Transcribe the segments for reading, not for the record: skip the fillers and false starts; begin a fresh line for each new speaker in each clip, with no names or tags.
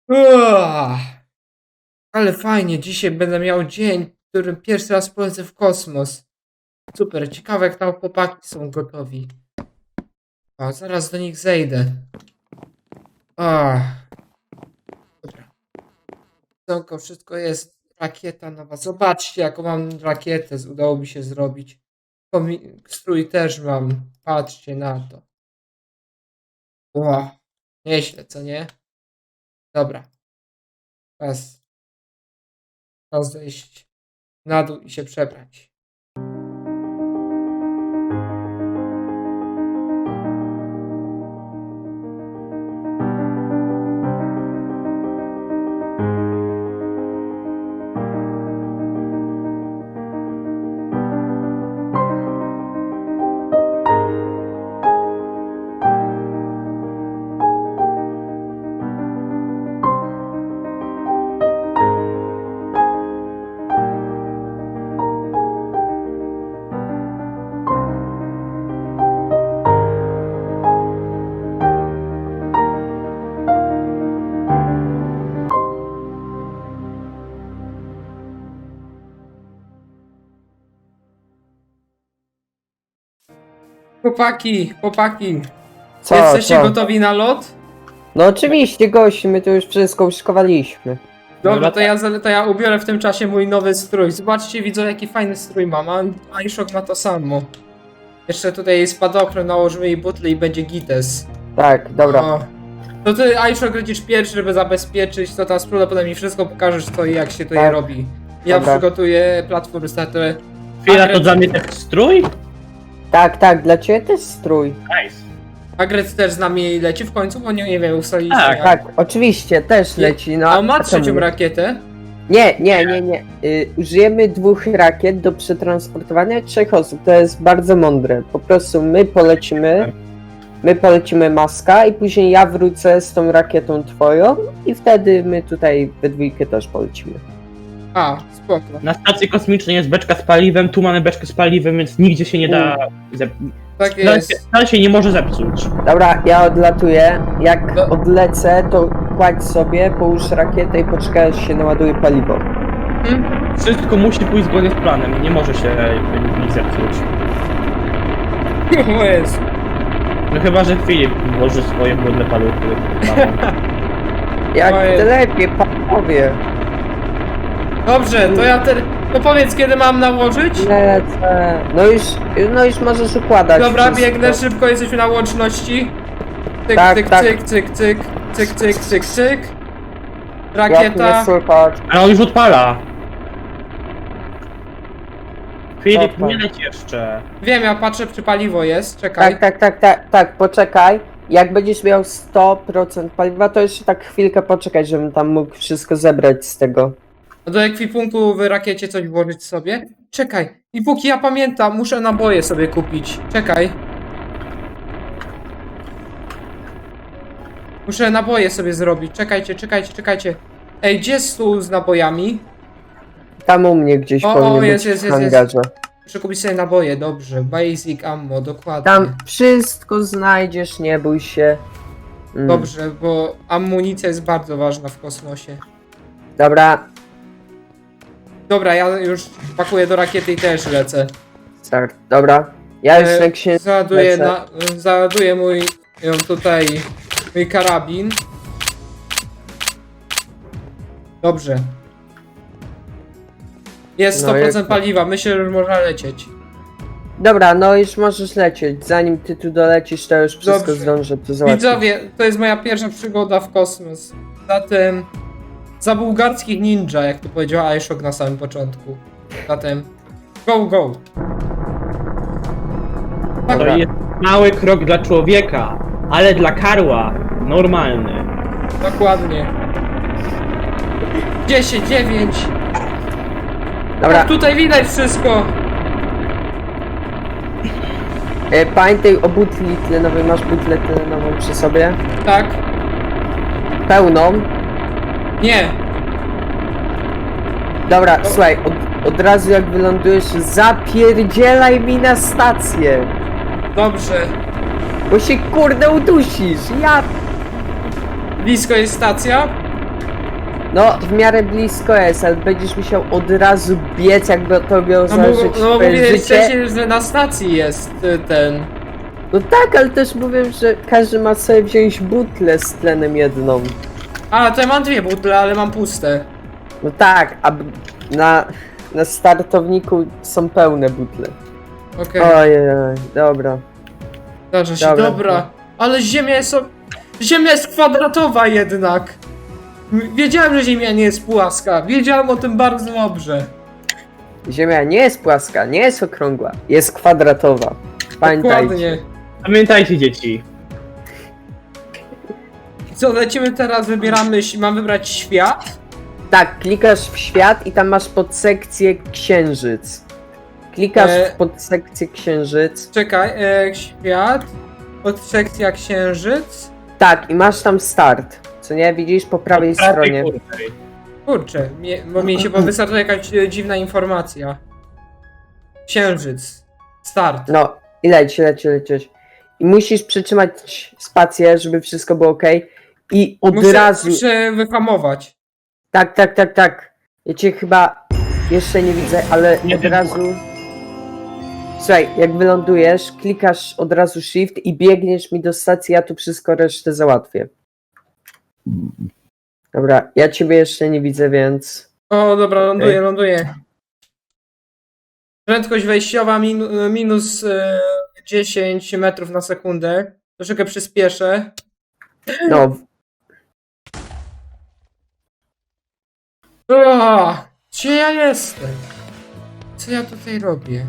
Uah, ale fajnie, dzisiaj będę miał dzień, w którym pierwszy raz polecę w kosmos. Super, ciekawe jak tam chłopaki są gotowi. O, zaraz do nich zejdę. Dobra. Wszystko jest. Rakieta nowa. Zobaczcie, jaką mam rakietę. Udało mi się zrobić. Strój też mam. Patrzcie na to. Wow. Nieźle, co nie? Dobra. Czas zejść na dół i się przebrać. Chłopaki, jesteście gotowi na lot?
No oczywiście, gości, my tu już wszystko uszykowaliśmy.
Dobra, to ja ubiorę w tym czasie mój nowy strój. Zobaczcie, widzą jaki fajny strój mam, a iShock ma to samo. Jeszcze tutaj spadochron, nałożymy jej butle i będzie gites.
Tak, dobra.
O. To ty, iShock, lecisz pierwszy, żeby zabezpieczyć, to tam spróbuj, potem mi wszystko pokażesz, co i jak się to je robi. Ja
Dobra.
przygotuję platformy startowe.
Chwila, to dla mnie też strój?
Tak, dla ciebie też strój.
Nice.
Agret też z nami leci w końcu, bo nie wiem, ustaliliśmy.
Tak,
jak.
Tak, oczywiście, też leci, no.
A on ma
czemu
trzecią
nie?
rakietę?
Nie. Użyjemy 2 rakiet do przetransportowania 3 osób, to jest bardzo mądre. Po prostu my polecimy Maska i później ja wrócę z tą rakietą twoją i wtedy my tutaj we dwójkę też polecimy.
A, spoko.
Na stacji kosmicznej jest beczka z paliwem, tu mamy beczkę z paliwem, więc nigdzie się nie da...
Tak jest.
Wcale się nie może zepsuć.
Dobra, ja odlatuję. Jak
No.
odlecę, to kładź sobie, połóż rakietę i poczekaj, aż się naładuje paliwo.
Wszystko musi pójść zgodnie z planem, nie może się nic zepsuć.
O jest.
No chyba, że Filip włoży swoje brudne paluchy.
Jak
Ojej.
lepiej, panowie.
Dobrze, to to powiedz kiedy mam nałożyć?
Lecę. No już możesz układać.
Dobra,
wszystko.
biegnę szybko, jesteśmy na łączności. Cyk,
Tak,
cyk,
tak.
cyk, cyk, cyk, cyk, cyk, cyk, cyk.
Jak mnie
Rakieta.
słychać?
Ale on już odpala. Filip,
Dobra.
nie leć jeszcze.
Wiem, ja patrzę czy paliwo jest, czekaj.
Tak, poczekaj. Jak będziesz miał 100% paliwa, to jeszcze tak chwilkę poczekaj, żebym tam mógł wszystko zebrać z tego.
Do ekwipunku w rakiecie coś włożyć sobie. Czekaj, i póki ja pamiętam, muszę naboje sobie kupić. Czekaj. Muszę naboje sobie zrobić. Czekajcie. Ej, gdzie jest stół z nabojami?
Tam u mnie gdzieś
O,
powinien
jest,
być
jest,
w
jest,
hangarze.
Muszę kupić sobie naboje, dobrze. Basic ammo, dokładnie.
Tam wszystko znajdziesz, nie bój się.
Dobrze, bo amunicja jest bardzo ważna w kosmosie.
Dobra,
Ja już pakuję do rakiety i też lecę.
start. Dobra. Ja już jak się
Załaduję mój karabin. Dobrze. Jest
No
100%
jak-
paliwa, myślę, że już można lecieć.
Dobra, no już możesz lecieć. Zanim ty tu dolecisz, to już wszystko
Dobrze.
zdążę tu załatwić.
Widzowie, to jest moja pierwsza przygoda w kosmos. Zatem za bułgarskich ninja, jak to powiedziała iShock na samym początku. Zatem go! Tak,
To jest mały krok dla człowieka, ale dla karła normalny.
dokładnie. 10, 9.
Dobra,
Tak, tutaj widać wszystko.
pamiętaj o butli tlenowej. Masz butlę tlenową przy sobie?
Tak?
Pełną.
Nie.
Dobra, słuchaj, od razu jak wylądujesz, zapierdzielaj mi na stację.
Dobrze.
Bo się kurde udusisz. Ja
Blisko jest stacja?
No, w miarę blisko jest, ale będziesz musiał od razu biec, jakby to miało
No,
zażyć
no
twoje
mówię
życie.
wcześniej, że na stacji jest ten.
No tak, ale też mówię, że każdy ma sobie wziąć butlę z tlenem jedną.
A, to ja mam 2 butle, ale mam puste.
No tak, a na startowniku są pełne butle.
Okej,
Ojej, dobra.
zdarza się,
dobra.
dobra. Ale Ziemia jest kwadratowa jednak. Wiedziałem, że Ziemia nie jest płaska. Wiedziałem o tym bardzo dobrze.
Ziemia nie jest płaska, nie jest okrągła, jest kwadratowa. Pamiętajcie.
Dokładnie.
Pamiętajcie, dzieci.
Co, lecimy teraz, wybieramy, mam wybrać świat?
Tak, klikasz w świat i tam masz podsekcję księżyc. Klikasz w podsekcję księżyc.
Czekaj, świat, podsekcja księżyc.
Tak, i masz tam start. Co nie widzisz po prawej stronie.
Kurczę, bo mi się wystarczyła jakaś dziwna informacja. Księżyc. Start.
No, i lecisz. I musisz przytrzymać spację, żeby wszystko było ok. I od razu.
Muszę wyhamować.
Tak. Ja cię chyba jeszcze nie widzę, ale
Nie
od
wiem.
razu. Słuchaj, jak wylądujesz, klikasz od razu shift i biegniesz mi do stacji, ja tu wszystko resztę załatwię. Dobra, ja ciebie jeszcze nie widzę, więc.
O, dobra, ląduję. Prędkość wejściowa minus 10 metrów na sekundę. Troszeczkę przyspieszę.
No,
O, gdzie ja jestem? Co ja tutaj robię?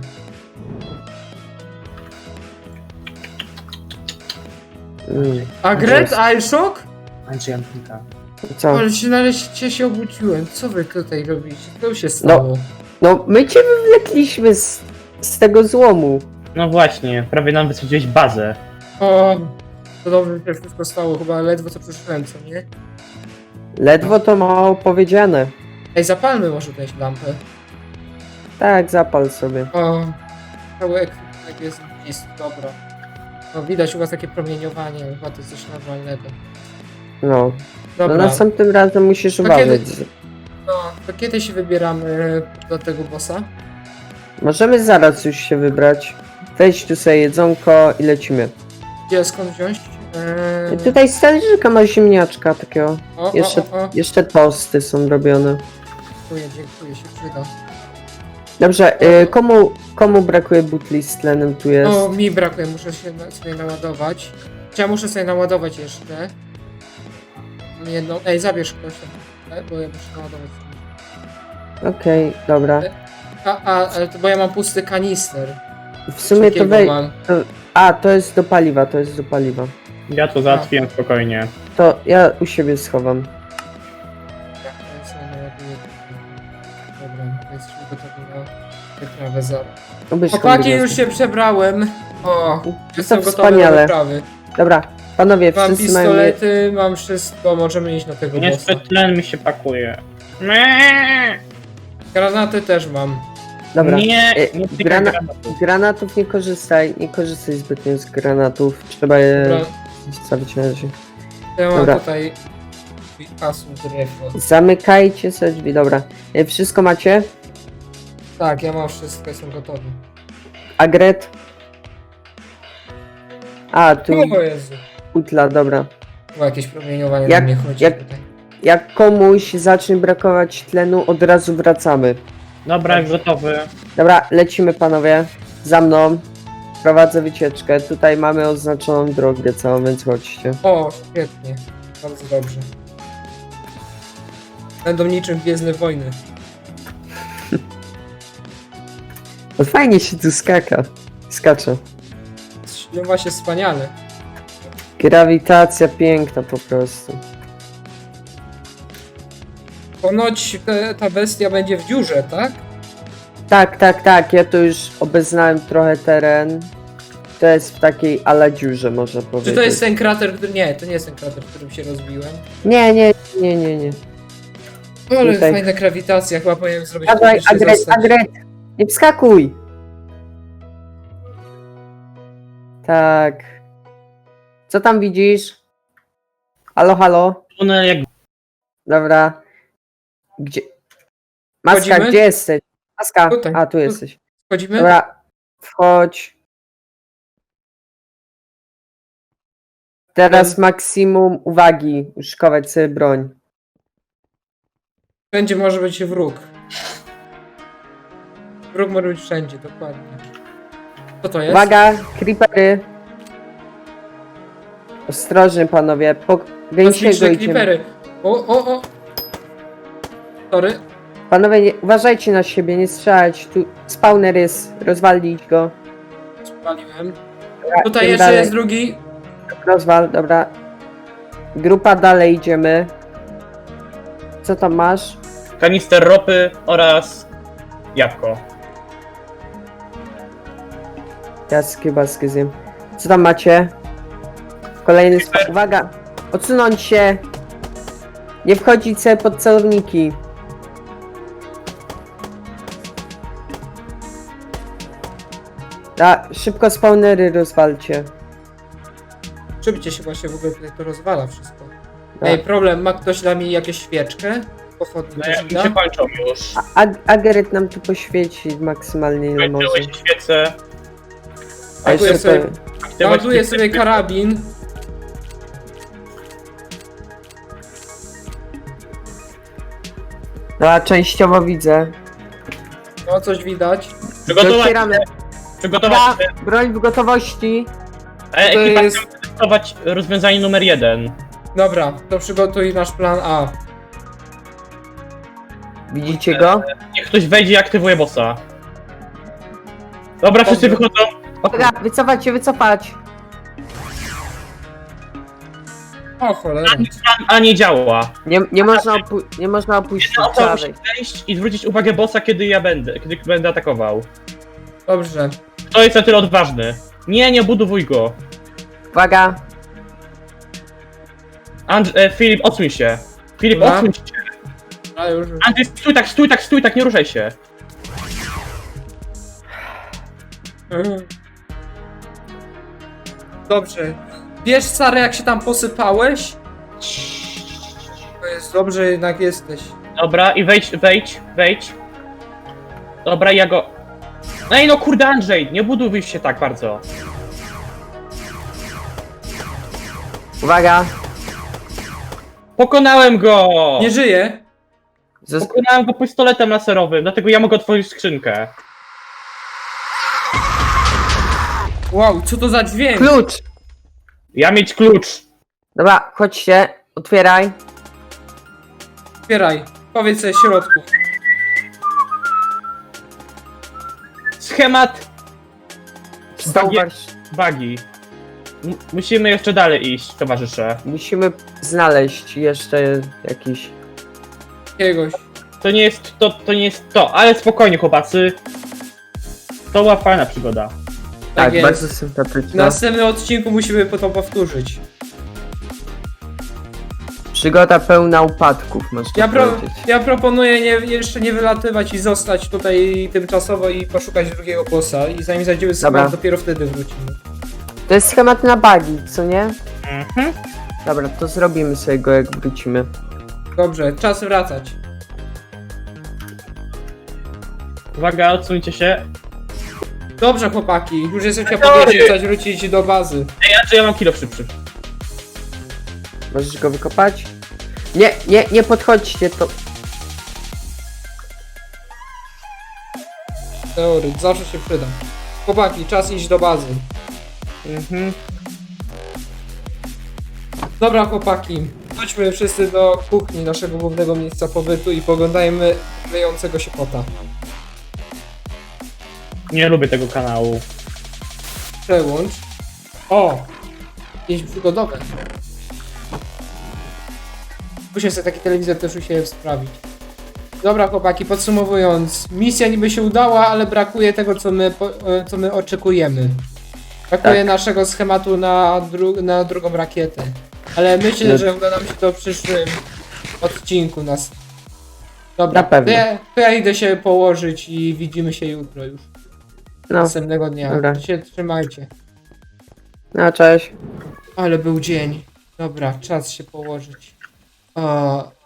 A Gret Ailshock?
Andrzej Antyka.
co?
Ale się nareszcie się obudziłem. Co wy tutaj robicie? Co się stało?
No, my cię wywlekliśmy z tego złomu.
No właśnie, prawie nam wysadziłeś bazę.
O, to dobrze, że się wszystko stało. Chyba ledwo co przyszedłem, co nie?
Ledwo to mało powiedziane.
Ej, zapalmy może tę lampę.
Tak, zapal sobie.
O, cały ekwipunek jest bliski, dobra. No, widać u was takie promieniowanie, chyba to jest coś normalnego.
No. No
Dobra,
następnym razem musisz
To
uważać.
kiedy- no, to kiedy się wybieramy do tego bossa?
Możemy zaraz już się wybrać. Weź tu sobie jedzonko i lecimy.
Gdzie, skąd wziąć?
Tutaj z talerzyka ma ziemniaczka takiego. Jeszcze,
O.
jeszcze tosty są robione.
Dziękuję, się przyda.
Dobrze, komu brakuje butli z tlenem tu jest?
O, mi brakuje, muszę się sobie naładować. Ja muszę sobie naładować jeszcze. Jedną. Ej, zabierz ktoś, bo ja muszę naładować.
Okej, dobra.
Ale to bo ja mam pusty kanister.
W sumie to
Takiego mam.
A, to jest do paliwa.
Ja to załatwiłem spokojnie.
To ja u siebie schowam.
Ja sobie naładuję. Dobra, jesteśmy gotowi na wyprawę zaraz.
Obierz
Chłopaki,
kombinezon.
już się przebrałem. O, jestem gotowy do
wspaniale.
wyprawy.
Dobra, panowie,
Mam
wszyscy mają...
pistolety, mam wszystko, możemy iść na tego bossa.
Niestety tlen mi się pakuje.
Granaty też mam.
Dobra,
Nie,
E,
nie
grana-
granatu.
granatów nie korzystaj zbytnio z granatów. Trzeba je
Dobra,
zostawić na razie.
ja mam
Dobra.
tutaj hasło drewno.
Zamykajcie sobie drzwi, dobra. Wszystko macie?
Tak, ja mam wszystko, jestem gotowy.
Agret? A, tu
O Jezu.
utla, dobra.
Chyba jakieś promieniowanie
Jak-
na mnie chodzi
jak-
tutaj.
Jak komuś zacznie brakować tlenu, od razu wracamy.
Dobra, gotowy.
Dobra, lecimy panowie. Za mną. Prowadzę wycieczkę. Tutaj mamy oznaczoną drogę całą, więc chodźcie.
O, świetnie. Bardzo dobrze. Będą niczym Gwiezdne Wojny.
No fajnie się tu skacze.
Śpiewa się wspaniale.
Grawitacja piękna po prostu.
Ponoć ta bestia będzie w dziurze, tak?
Tak. Ja tu już obeznałem trochę teren. To jest w takiej ala dziurze, można powiedzieć.
Czy to jest ten krater, który... Nie, to nie jest ten krater, w którym się rozbiłem.
Nie.
Ale
Tutaj.
fajna grawitacja, chyba powinienem zrobić
Dawaj,
jeszcze
Agret,
zostać.
Agret! Nie wskakuj! Tak. Co tam widzisz? Halo?
Tunel jak
Dobra. Gdzie? Maska,
Wchodzimy?
gdzie jesteś? Maska,
Tutaj.
a tu jesteś.
Wchodzimy?
Dobra, wchodź. Teraz maksimum uwagi, szykować sobie broń.
Wszędzie może być wróg. Wróg może być wszędzie, dokładnie. Co to jest?
Uwaga, creepery. Ostrożnie panowie, po gęsiego
Kosmiczne
idziemy.
creepery. O. Sorry.
Panowie, uważajcie na siebie, nie strzelać. Tu spawner jest, rozwalić go.
Spaliłem.
Dobra,
Tutaj
idziemy
jeszcze
dalej.
jest drugi.
Rozwal, dobra. Grupa dalej idziemy. Co tam masz?
Kanister ropy oraz jabłko.
Ja skiełbaskę zjem. Co tam macie? Kolejny Uwaga! Odsunąć się! Nie wchodzić sobie pod celowniki. Szybko spawnery rozwalcie.
Szybciej się właśnie w ogóle tutaj to rozwala wszystko.
Tak.
Ej, problem, ma ktoś dla mnie jakieś świeczkę? Pochodnie
No,
ktoś
jak
mi
mi
da?
się kończą już.
Ageret nam tu poświeci maksymalnie ile może.
Kończyły się świece.
A jeszcze
Ładuję sobie,
to...
ładuję sobie karabin.
No, częściowo widzę.
No, coś widać.
Przygotować
Docieramy.
się. Przygotować się.
Broń w gotowości.
To
Ekipa
jest...
chce testować rozwiązanie numer 1.
Dobra, to przygotuj nasz plan A.
Widzicie go?
Niech ktoś wejdzie i aktywuje bossa. Dobra, wszyscy
Dobrze.
wychodzą.
Dobra, wycofać się, wycofać.
O cholera.
A nie działa.
Nie można opuścić
Jedna osoba musi
prawej.
wejść i zwrócić uwagę bossa, kiedy będę atakował.
Dobrze.
Kto jest na tyle odważny? Nie budowuj go.
Uwaga.
Filip, odsuń się. Filip,
Dobra.
odsuń się.
A już.
Andrzej, stój tak, nie ruszaj się.
Dobrze. Wiesz, Sary, jak się tam posypałeś? To jest dobrze, jednak jesteś.
Dobra, i wejdź. Dobra, ja go... Ej, no kurde, Andrzej, nie budowuj się tak bardzo.
Uwaga.
Pokonałem go!
Nie żyje?
Pokonałem go pistoletem laserowym, dlatego ja mogę otworzyć skrzynkę.
Wow, co to za dźwięk?
Klucz.
Ja mieć klucz.
Dobra, chodźcie. Otwieraj.
Otwieraj. Powiedz sobie środku.
Schemat
Zauważ.
bagi. Musimy jeszcze dalej iść, towarzysze.
Musimy znaleźć jeszcze jakiś...
Jakiegoś.
To nie jest to, ale spokojnie chłopacy. To była fajna przygoda.
Tak,
jest.
bardzo
W
sympatyczna.
następnym odcinku musimy to powtórzyć.
Przygoda pełna upadków, można powiedzieć.
Ja proponuję jeszcze nie wylatywać i zostać tutaj tymczasowo i poszukać drugiego bossa. I zanim zajdziemy z
Dobra.
dopiero wtedy wrócimy.
To jest schemat na bugi, co nie?
Mhm.
Dobra, to zrobimy sobie go, jak wrócimy.
Dobrze, czas wracać.
Uwaga, odsuńcie się.
Dobrze, chłopaki, już jesteśmy powinni chceć wrócić do bazy.
Ej, Andrzej, ja mam kilo szybszy.
Możesz go wykopać? Nie podchodźcie, to...
Teoryt, zawsze się przyda. Chłopaki, czas iść do bazy.
Mhm.
Dobra, chłopaki, chodźmy wszyscy do kuchni naszego głównego miejsca pobytu i poglądajmy wyjącego się kota.
Nie lubię tego kanału.
Przełącz. O! Jakieś przygodowe. Muszę sobie taki telewizor też u siebie sprawić. Dobra, chłopaki, podsumowując. Misja niby się udała, ale brakuje tego, co my oczekujemy. Brakuje
Tak.
naszego schematu na drugą rakietę. Ale myślę,
No.
że uda nam się to w przyszłym odcinku nas. Dobra,
Na pewno.
to ja idę się położyć i widzimy się jutro już.
No,
Następnego dnia.
dobra.
Się trzymajcie.
no cześć.
Ale był dzień. Dobra, czas się położyć. O,